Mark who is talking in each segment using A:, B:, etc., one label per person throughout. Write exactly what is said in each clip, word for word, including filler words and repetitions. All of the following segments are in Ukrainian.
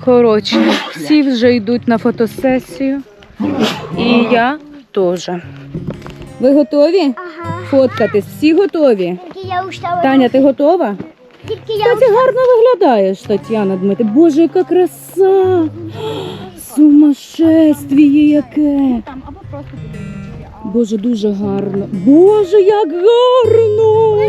A: Коротше, всі вже йдуть на фотосесію. І я теж. Ви готові?
B: Ага.
A: Фоткатись? Всі готові?
B: Тільки я устала.
A: Таня, ти готова?
B: Тільки я
A: Кстати, гарно виглядаєш, Тетяна Дмитрівна. Боже, яка краса! Сумасшествіє яке!
C: Там або просто будиночки. А
A: Боже, дуже гарно. Боже, як гарно!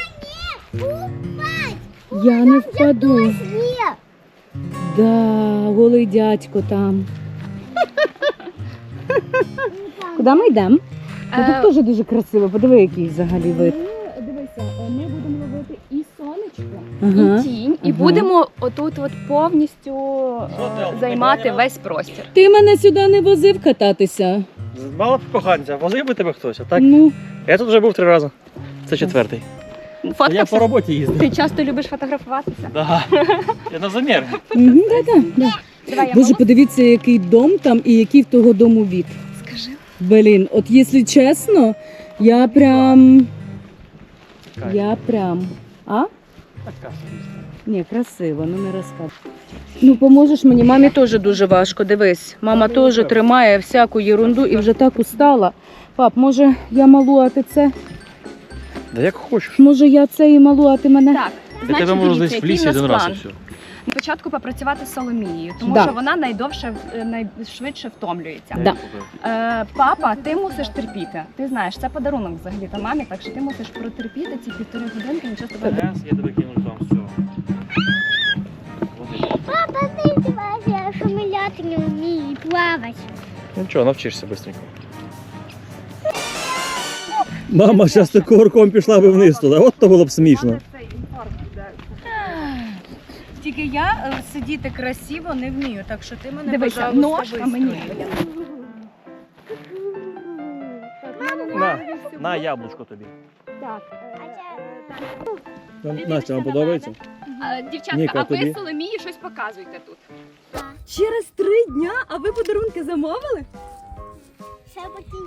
A: Я не впаду.
B: Є.
A: Да, голий дядько там. Куди ми йдемо? Ну,
C: Е,
A: тут теж дуже красиво. Подиви, який взагалі вид.
C: Ми, дивися, ми будемо ловити і сонечко,
A: Ага.
C: і тінь, і
A: Ага.
C: будемо отут от повністю е, займати весь простір.
A: Ти мене сюди не возив кататися.
D: Мало б коханця, возив би тебе хтось, а так?
A: Ну,
D: Я тут вже був три рази. Це четвертий. Я по
C: Фоткався?
D: роботі їздив.
C: Ти часто любиш фотографуватися?
D: Да. Я на замір.
A: угу, да, да, да.
C: Давай я
A: Боже,
C: можу?
A: подивіться, який дом там і який в того дому від.
C: Скажи.
A: Блін, от якщо чесно, я прям... Я прям... А?
D: Така собі.
A: Ні, красиво, ну не розказуй. Ну, поможеш мені? Мамі теж дуже важко, дивись. Мама теж тримає всяку єрунду і вже так устала. Пап, може я малу, а ти це?
D: Да як хочеш.
A: Може я це і малу, а ти мене?
C: Так,
D: Я
C: значить,
D: тебе можу
C: дивіться,
D: десь в
C: який
D: лісі
C: в нас
D: один раз і
C: план.
D: все.
C: Спочатку попрацювати з Соломією, тому
A: Да.
C: що вона найдовше, е, найшвидше втомлюється.
A: Да.
C: Е, папа, ти мусиш терпіти. Ти знаєш, це подарунок взагалі та мамі, так що ти мусиш протерпіти ці півтори годинки, нічого з тобою не
D: Раз, я тебе кину там, все.
B: Папа, ти бачиш, я шуміляти не вмію і плавати.
D: Нічого, навчишся швидко. Мама зараз ти кувырком пішла би вниз туди, от то було б смішно.
A: Тільки я е, сидіти красиво не вмію, так що ти мене,
C: Дивися,
A: пожалуйста,
C: ножка мені.
D: На, на яблучко тобі.
C: Так.
D: Настя, вам подобається?
C: А, дівчатка,
D: Ніка,
C: а ви
D: тобі?
C: Соломії щось показуйте тут.
A: Через три дня, а ви подарунки замовили?
B: Ще потім.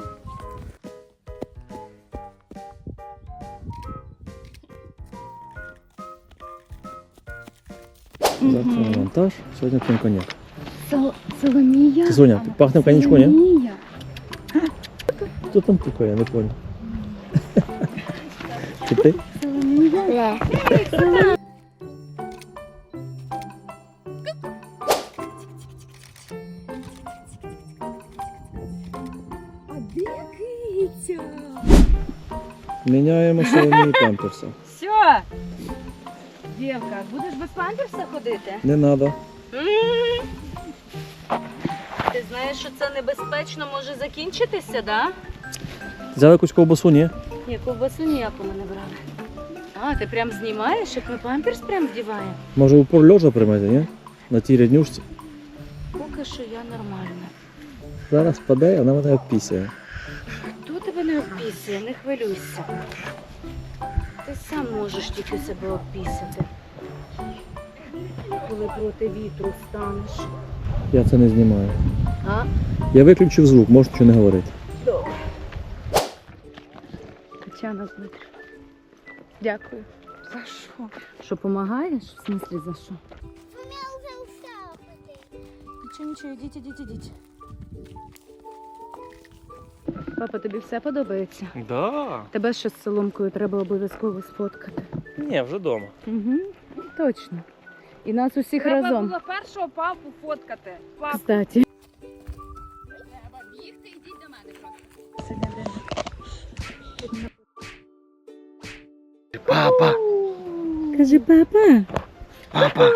D: Завтра на монтаж, сьогодні п'ємо коньяк.
C: Сол- Соломія?
D: Соня, пахне в коньячку, ні?
C: Соломія.
D: Хто там пукає, я не понял. Це ти?
B: Не.
A: А де киця?
D: Міняємо Соломії памперса.
A: Все. Дівка, будеш без памперса ходити?
D: Не треба.
A: Ти знаєш, що це небезпечно може закінчитися, да?
D: Взяли якусь ковбасу, ні?
A: Ні, ковбасу ніяку ми не брали. А, ти прям знімаєш, як ми памперс прям вдіваємо?
D: Може упор льожа приймати, ні? На тій ряднюшці.
A: Поки що я нормальна.
D: Зараз паде, вона мене обпісяє.
A: Хто тебе не обпісує, не хвилюйся. Ти сам можеш тільки себе обпісити. Коли проти вітру станеш.
D: Я це не знімаю.
A: А?
D: Я виключив звук, можеш нічого не говорити.
A: Добре. Тетяна Дмитрівна, дякую. За що? Що, допомагаєш? В смислі за що?
B: Я вже устала ходити.
A: Нічого, нічого, ідіть, ідіть, ідіть. Папа, тобі все подобається?
D: Да.
A: Тебе ще з соломкою треба обов'язково сфоткати.
D: Ні, вже вдома.
A: Угу, точно. І нас усіх
C: Треба
A: разом.
C: було першого папу фоткати. Папу.
A: Кстати.
C: Треба бігти, йдіть до мене просто.
D: Папа!
A: Кажи, папа.
D: Папа!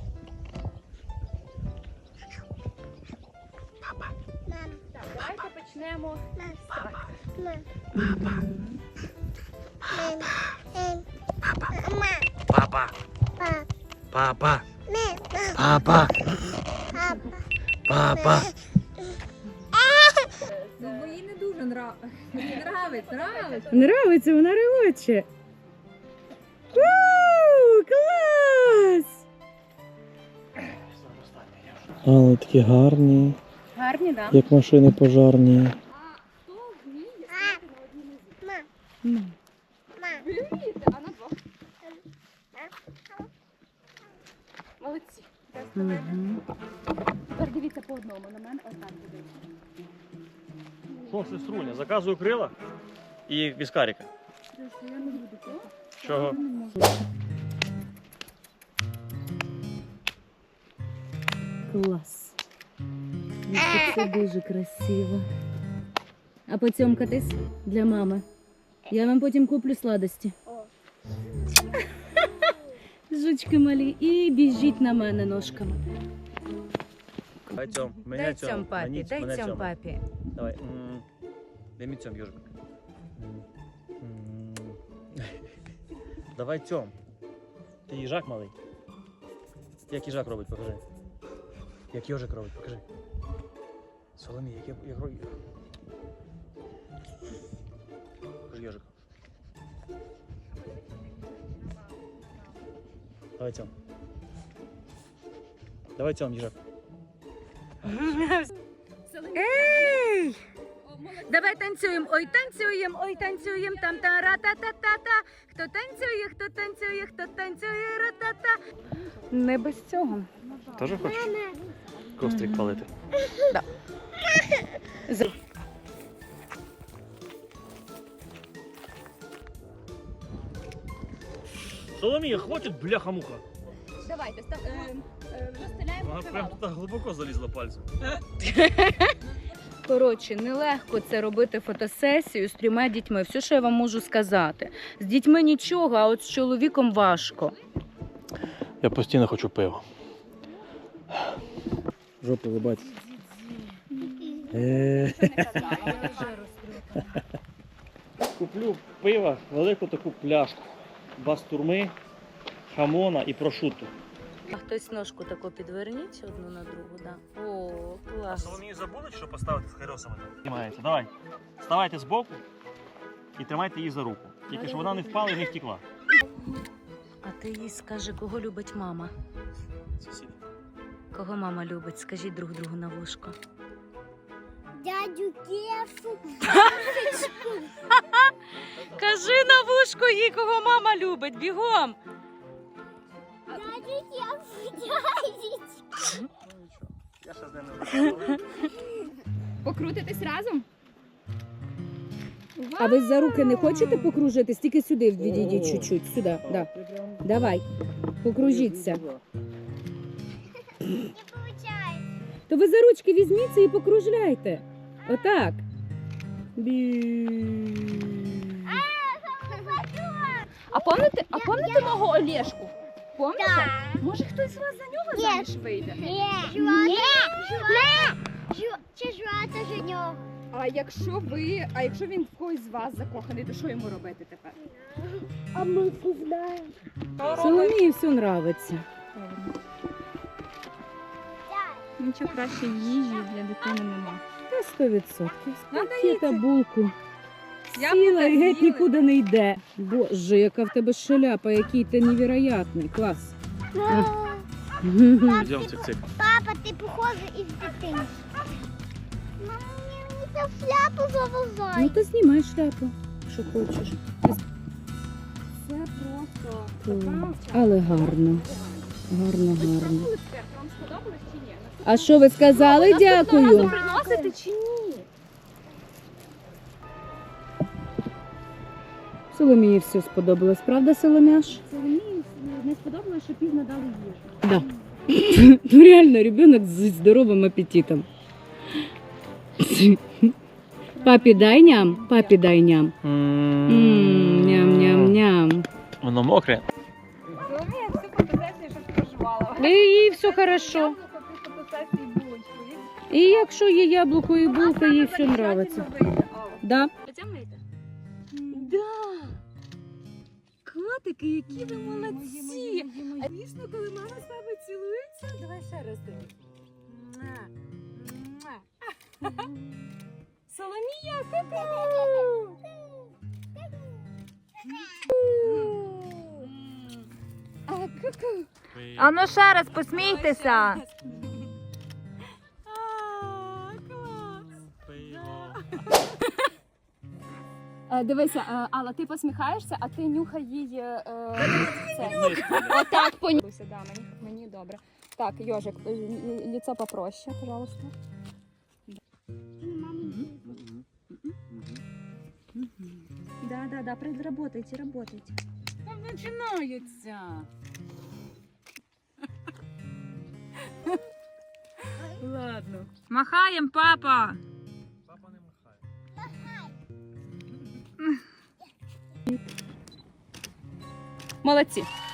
B: Мам,
C: Давайте почнемо.
B: мам, папа. Мам.
D: Папа!
B: Мам. Мам.
D: Папа!
B: Мама.
D: Папа!
B: Пап.
D: Папа!
B: Мам.
D: Папа!
B: Папа.
D: Папа!
C: Бо їй не дуже нравиться. Мені нравиться, нравиться.
A: Нравиться, вона ревоче. Ууу, клас!
D: А, вони такі гарні,
A: Гарні, да?
D: як машини пожарні.
B: Мам.
A: Ну.
B: Мам.
C: А на двох. Молодці.
A: Угу.
C: Тепер дивіться по одному, на мене отак дивіться.
D: Що, сеструня, заказую крила і віскаріка.
C: Я не буду то.
D: Чого?
A: Клас. Це дуже красиво. А поцьомкатись для мами. Я вам потім куплю сладості. Жучки малі. І біжіть на мене ножками.
D: Дай цьом, мене
A: Дай
D: цьом,
A: цьом папі,
D: мені-
A: дай
D: мене
A: цьом
D: цьом.
A: папі.
D: Давай. м, Дай мені цьом, Йожик. М. Давай цьом. Ти їжак малий. Як їжак робить, покажи. Як Йожик робить, покажи. Соломій, як я як робить. Покажи Йожик. Давай цьом. Давай цьом, їжак.
A: Ей! Давай танцюємо, ой, танцюємо, ой, танцюємо, там та ра та та та та Хто танцює, хто танцює, хто танцює, ра-та-та. Не без цього.
D: Теж хочеш? Кострик палити. Соломія, хватить, бляха-муха.
C: Давайте, став, е, е, розстеляємо
D: Вона прям
C: покривало.
D: туди глибоко залізла пальцем.
A: Коротше, нелегко це робити фотосесію з трьома дітьми. Все, що я вам можу сказати. З дітьми нічого, а от з чоловіком важко.
D: Я постійно хочу пива. Жопу ви бачите. Куплю пива, велику таку пляшку. Бастурми, хамона і прошутто.
A: А хтось ножку таку підверніть одну на другу, да. О, клас.
D: Соломію забули, що поставити з хайросами? Знімається. Давай. Ставайте збоку і тримайте її за руку. Тільки щоб вона не впала і не втекла.
A: А ти їй скажи, кого любить мама?
D: Сусід.
A: Кого мама любить? Скажіть друг другу на вушко.
B: Дядю Кешу.
A: Кажи на вушко їй, кого мама любить, бігом.
B: Дядю Кешу, дядю.
D: Я ще з ним не
C: Покрутитись разом?
A: А ви за руки не хочете покружитись? Тільки сюди відійдіть чуть-чуть, сюди. Да. Давай, покружіться.
B: Не получается.
A: То ви за ручки візьміться і покружляйте. Отак. Бі...
C: А помните, а помните мого Олешку? Помните?
B: Да.
C: Може хтось з вас за нього
B: Ні.
C: заміж вийде?
B: Ні. Жуата. Чи жуата за нього?
C: А якщо ви, а якщо він в когось з вас закоханий, то що йому робити тепер?
B: А ми знаємо.
A: Соломії все нравиться.
C: Нічого краще їжі для дитини нема.
A: Та сто відсотків.
C: Надо
A: Спакета, булку.
C: Яблука
A: Сіла і геть
C: з'їли.
A: нікуди не йде. Боже, яка в тебе шаляпа, який ти невероятний. Клас.
D: Йдемо цик-цик.
B: Папа, ти похожий із дитинства. Мама, мені цю шляпу завозай.
A: Ну то знімай шляпу, що хочеш.
C: Це просто
A: Клас. Але гарно. Гарно, гарно.
C: вам сподобалось чи ні?
A: А що ви сказали?
C: Наступного разу
A: Дякую.
C: приносите чи ні?
A: Соломії все сподобалось, правда, Соломяш?
C: Соломії не сподобалось, що пізно дали їжу.
A: Да. Ну реально, ребенок з здоровим апетитом. Папі дай ням, папі дай ням. М, Ням-ням-ням.
D: Воно мокре.
C: Соломія всю фотосесію щось проживала.
A: І їй все хорошо.
C: Яблуко при фотосесії булочку.
A: І якщо є яблуко і булка, їй все нравиться. Да. Да. Котики, які ви молодці. А дійсно, коли мама з вами цілується, давай ще раз тобі. Соломія, ку-ку! А, ку-ку!
E: А ну ще раз посмійтеся.
C: Е, Дивися, е, Алла, ти посміхаєшся, а ти нюхай їй е, це. Отак понюхайся, да, мені, мені добре. Так, Йожик, е, лі- лицо попроще, пожалуйста. Да, да, да, работайте, работайте.
A: Там починається. Ладно.
E: Махаєм, папа.
D: Папа не махає.
C: Молодці.